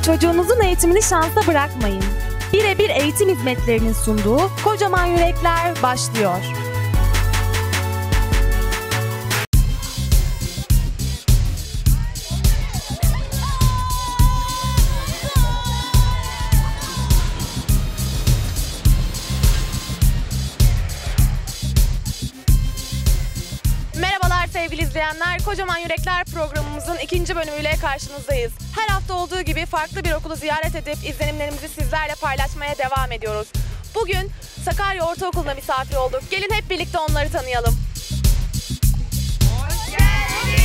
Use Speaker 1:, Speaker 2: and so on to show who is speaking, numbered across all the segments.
Speaker 1: Çocuğunuzun eğitimini şansa bırakmayın. Birebir eğitim hizmetlerinin sunduğu Kocaman Yürekler başlıyor. Merhabalar sevgili izleyenler, Kocaman Yürekler programımızın ikinci bölümüyle karşınızdayız. Her hafta olduğu gibi farklı bir okulu ziyaret edip izlenimlerimizi sizlerle paylaşmaya devam ediyoruz. Bugün Sakarya Ortaokulu'na misafir olduk. Gelin hep birlikte onları tanıyalım. Hoş geldiniz.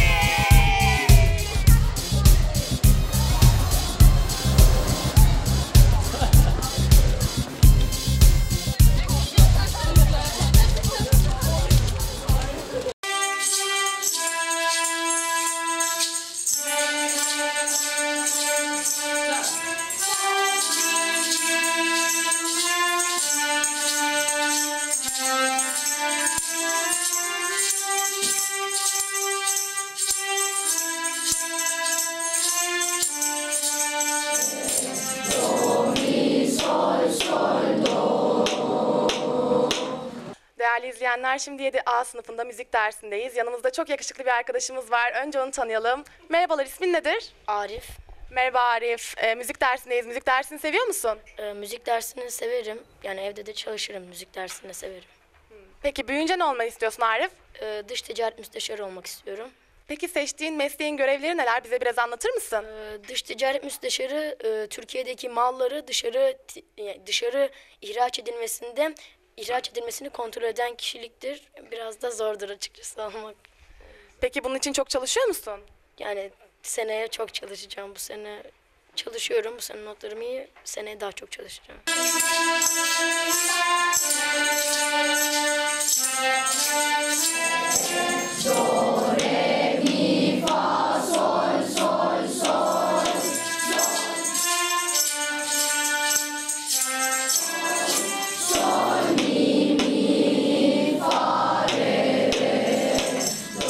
Speaker 1: Değerli izleyenler, şimdi 7A sınıfında müzik dersindeyiz. Yanımızda çok yakışıklı bir arkadaşımız var. Önce onu tanıyalım. Merhabalar, ismin nedir?
Speaker 2: Arif.
Speaker 1: Merhaba Arif. Müzik dersindeyiz. Müzik dersini seviyor musun?
Speaker 2: Müzik dersini severim. Yani evde de çalışırım. Müzik dersini de severim.
Speaker 1: Peki büyüyünce ne olmayı istiyorsun Arif?
Speaker 2: Dış ticaret müsteşarı olmak istiyorum.
Speaker 1: Peki seçtiğin mesleğin görevleri neler? Bize biraz anlatır mısın?
Speaker 2: Dış ticaret müsteşarı Türkiye'deki malları dışarı ihraç edilmesini kontrol eden kişiliktir. Biraz da zordur açıkçası almak.
Speaker 1: Peki bunun için çok çalışıyor musun?
Speaker 2: Yani seneye çok çalışacağım. Bu sene çalışıyorum. Bu sene notlarım iyi. Seneye daha çok çalışacağım.
Speaker 3: Do, re, mi, fa, sol, sol, sol, sol, mi, fa, re, do.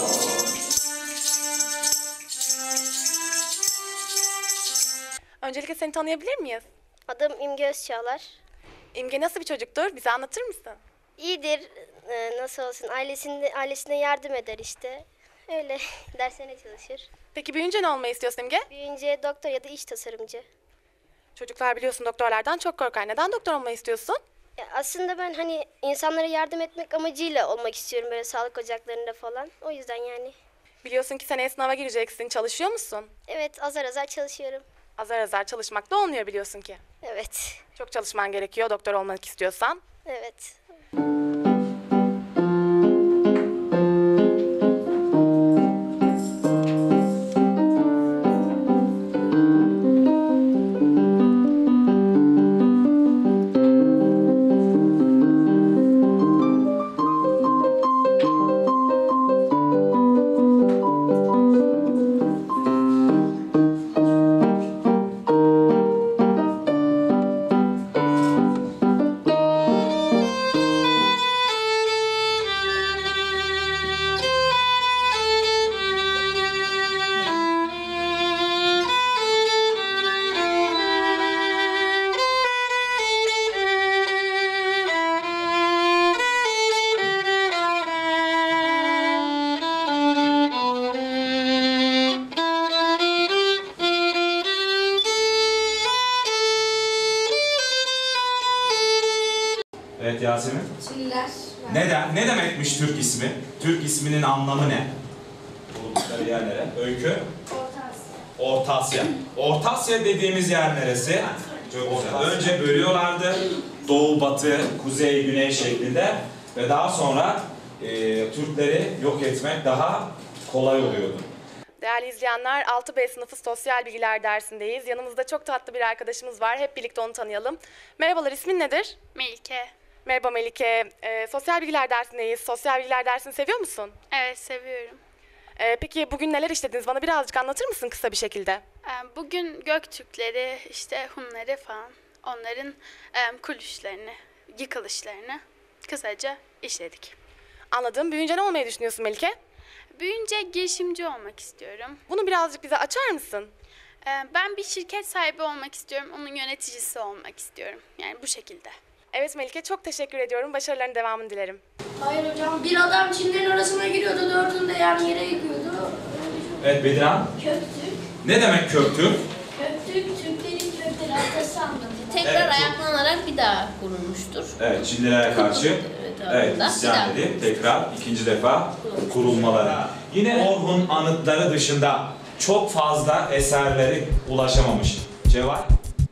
Speaker 1: Öncelikle seni tanıyabilir miyiz?
Speaker 4: Adım İmge Özçağlar.
Speaker 1: İmge nasıl bir çocuktur? Bize anlatır mısın?
Speaker 4: İyidir, nasıl olsun, ailesine yardım eder işte. Öyle derslerine çalışır.
Speaker 1: Peki büyüyünce ne olmayı istiyorsun İmge?
Speaker 4: Büyüyünce doktor ya da iş tasarımcı.
Speaker 1: Çocuklar biliyorsun doktorlardan çok korkar. Neden doktor olmayı istiyorsun?
Speaker 4: Ya aslında ben hani insanlara yardım etmek amacıyla olmak istiyorum böyle sağlık ocaklarında falan. O yüzden yani.
Speaker 1: Biliyorsun ki seneye sınava gireceksin. Çalışıyor musun?
Speaker 4: Evet, azar azar çalışıyorum.
Speaker 1: Azar azar çalışmak da olmuyor biliyorsun ki.
Speaker 4: Evet,
Speaker 1: Çok çalışman gerekiyor doktor olmak istiyorsan.
Speaker 4: evet.
Speaker 5: Evet Yasemin.
Speaker 3: Çiller.
Speaker 5: Ne demekmiş Türk ismi? Türk isminin anlamı ne? Bulundukları yerlere. Öykü? Orta Asya. Orta Asya dediğimiz yer neresi? Çok güzel. Önce bölüyorlardı. Doğu, batı, kuzey, güney şeklinde. Ve daha sonra Türkleri yok etmek daha kolay oluyordu.
Speaker 1: Değerli izleyenler, 6B sınıfı sosyal bilgiler dersindeyiz. Yanımızda çok tatlı bir arkadaşımız var. Hep birlikte onu tanıyalım. Merhabalar, ismin nedir?
Speaker 6: Melike.
Speaker 1: Merhaba Melike. Sosyal bilgiler dersindeyiz. Sosyal bilgiler dersini seviyor musun?
Speaker 6: Evet, seviyorum.
Speaker 1: Peki bugün neler işlediniz? Bana birazcık anlatır mısın kısa bir şekilde?
Speaker 6: Bugün Göktürkleri, işte Hunları falan, onların kulüşlerini, yıkılışlarını kısaca işledik.
Speaker 1: Anladım. Büyüyünce ne olmayı düşünüyorsun Melike?
Speaker 6: Büyüyünce girişimci olmak istiyorum.
Speaker 1: Bunu birazcık bize açar mısın?
Speaker 6: Ben bir şirket sahibi olmak istiyorum. Onun yöneticisi olmak istiyorum. Yani bu şekilde.
Speaker 1: Evet Melike, çok teşekkür ediyorum. Başarıların devamını dilerim.
Speaker 3: Hayır hocam, bir adam Çinlerin arasına giriyordu, dördünü de yan yere yıkıyordu.
Speaker 5: Evet Bedirhan.
Speaker 3: Köktürk.
Speaker 5: Ne demek Köktürk?
Speaker 3: Köktürk, Türklerin kökleri atası anlatıyor.
Speaker 7: Tekrar
Speaker 5: Evet, çok-
Speaker 7: ayaklanarak bir daha kurulmuştur.
Speaker 5: Evet, Çinlilere karşı
Speaker 7: Evet,
Speaker 5: isyan edip tekrar ikinci defa kurulmaları. Yine Orhun anıtları dışında çok fazla eserleri ulaşamamış. Cevap?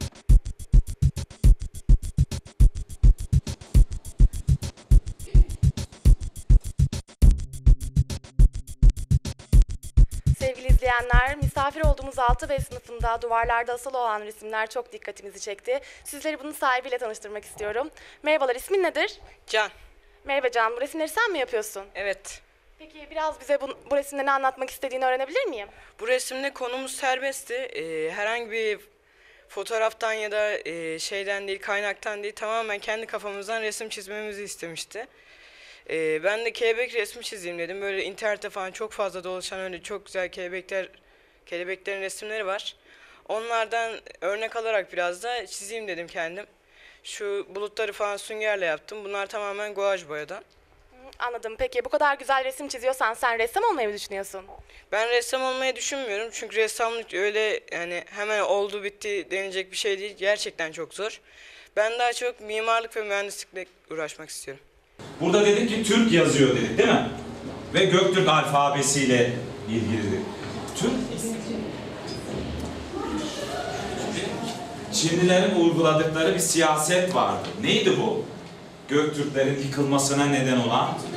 Speaker 1: Sevgili izleyenler, misafir olduğumuz 6B sınıfında duvarlarda asılı olan resimler çok dikkatimizi çekti. Sizleri bunun sahibiyle tanıştırmak istiyorum. Merhabalar, ismin nedir?
Speaker 8: Can.
Speaker 1: Merhaba Can, bu resimleri sen mi yapıyorsun?
Speaker 8: Evet.
Speaker 1: Peki biraz bize bu resimde ne anlatmak istediğini öğrenebilir miyim?
Speaker 8: Bu resimde konumuz serbestti. Herhangi bir fotoğraftan ya da şeyden değil, kaynaktan değil, tamamen kendi kafamızdan resim çizmemizi istemişti. Ben de kelebek resmi çizeyim dedim. Böyle internette falan çok fazla dolaşan öyle çok güzel kelebeklerin resimleri var. Onlardan örnek alarak biraz da çizeyim dedim kendim. Şu bulutları falan süngerle yaptım. Bunlar tamamen guaj boyadan.
Speaker 1: Anladım. Peki bu kadar güzel resim çiziyorsan sen ressam olmayı mı düşünüyorsun?
Speaker 8: Ben ressam olmayı düşünmüyorum çünkü ressamlık öyle yani hemen oldu bitti denilecek bir şey değil. Gerçekten çok zor. Ben daha çok mimarlık ve mühendislikle uğraşmak istiyorum.
Speaker 5: Burada dedik ki Türk yazıyor dedik değil mi? Ve Göktürk alfabesiyle ilgilidir. Türk Çinlilerin uyguladıkları bir siyaset vardı. Neydi bu? Göktürklerin yıkılmasına neden olan